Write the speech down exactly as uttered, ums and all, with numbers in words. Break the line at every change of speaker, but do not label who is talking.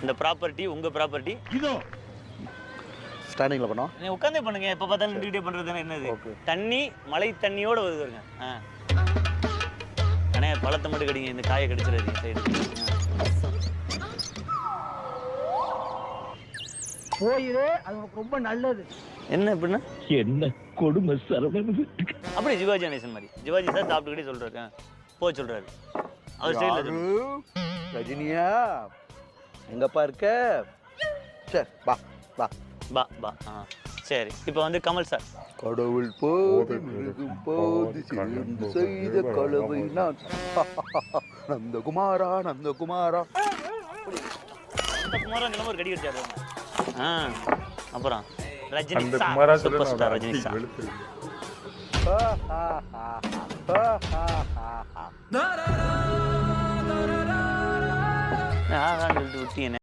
இந்த ப்ராப்பர்ட்டி உங்க ப்ராப்பர்ட்டி.
இதோ
ஸ்டாண்டிங்ல பண்ணோம்.
நீ உட்காந்தே பண்ணுங்க. எப்ப பார்த்தாலும் நின்றுட்டே பண்றதுன்னா என்னது? தண்ணி மழை தண்ணியோட வருது வருங்க. ஆ அண்ணே பழத்தை மட்டும் கடிங்க, இந்த காயை கடிச்சிடாதீங்க சைடு.
போயிரு, அது உனக்கு ரொம்ப நல்லது.
என்ன எப்படின்னா
என்ன கொடுமை சரவணன்.
அப்படி சிவாஜி கணேசன் மாதிரி சிவாஜி சார் சாப்பிட்டுக்கிட்டே சொல்றாரு, போக சொல்றாரு அவர் ஸ்டைல.
ரஜினியா எங்கப்பா இருக்க? சரி வா வா
பா பா ஆ சரி. இப்போ வந்து கமல் சார்.
கடவுள் போது மிருகும் போது சேர்ந்து செய்த கலவை நான். நந்தகுமாரா நந்தகுமாரா.
குமாரா இந்த ஒரு கடி கடிச்சாரு. ஆ அப்புறம் ரஜினி
அந்த
சார்,
குமாரா
சூப்பர்
சொல்ல
ஸ்டார் ரஜினி சார். ஆ சொல்லிட்டு விட்டீங்க.